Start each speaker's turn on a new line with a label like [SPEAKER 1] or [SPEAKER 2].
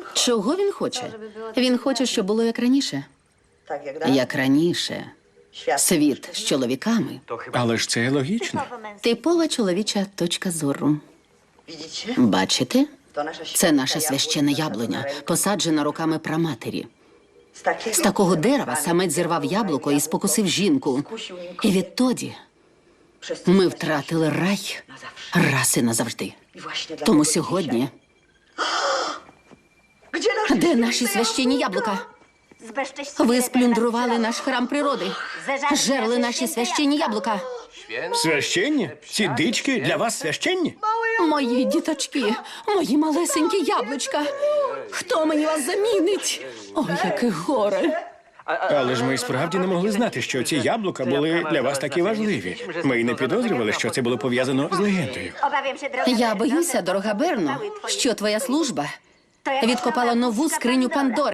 [SPEAKER 1] Чого він хоче? Він хоче, щоб було як раніше. Як раніше. Світ з чоловіками.
[SPEAKER 2] Але ж це логічно.
[SPEAKER 1] Типова чоловіча точка зору. Бачите? Це наша священна яблуня, посаджена руками праматері. З такого дерева самець зірвав яблуко і спокусив жінку. І відтоді ми втратили рай раз і назавжди. Тому сьогодні... Де наші священні яблука? Ви сплюндрували наш храм природи. Жерли наші священні яблука.
[SPEAKER 2] Священні? Ці дички для вас священні?
[SPEAKER 1] Мої діточки, мої малесенькі яблучка. Хто мені вас замінить? Ой, яке горе.
[SPEAKER 2] Але ж ми і справді не могли знати, що ці яблука були для вас такі важливі. Ми й не підозрювали, що це було пов'язано з легендою.
[SPEAKER 1] Я боюся, дорога Берно, що твоя служба відкопала нову скриню Пандори.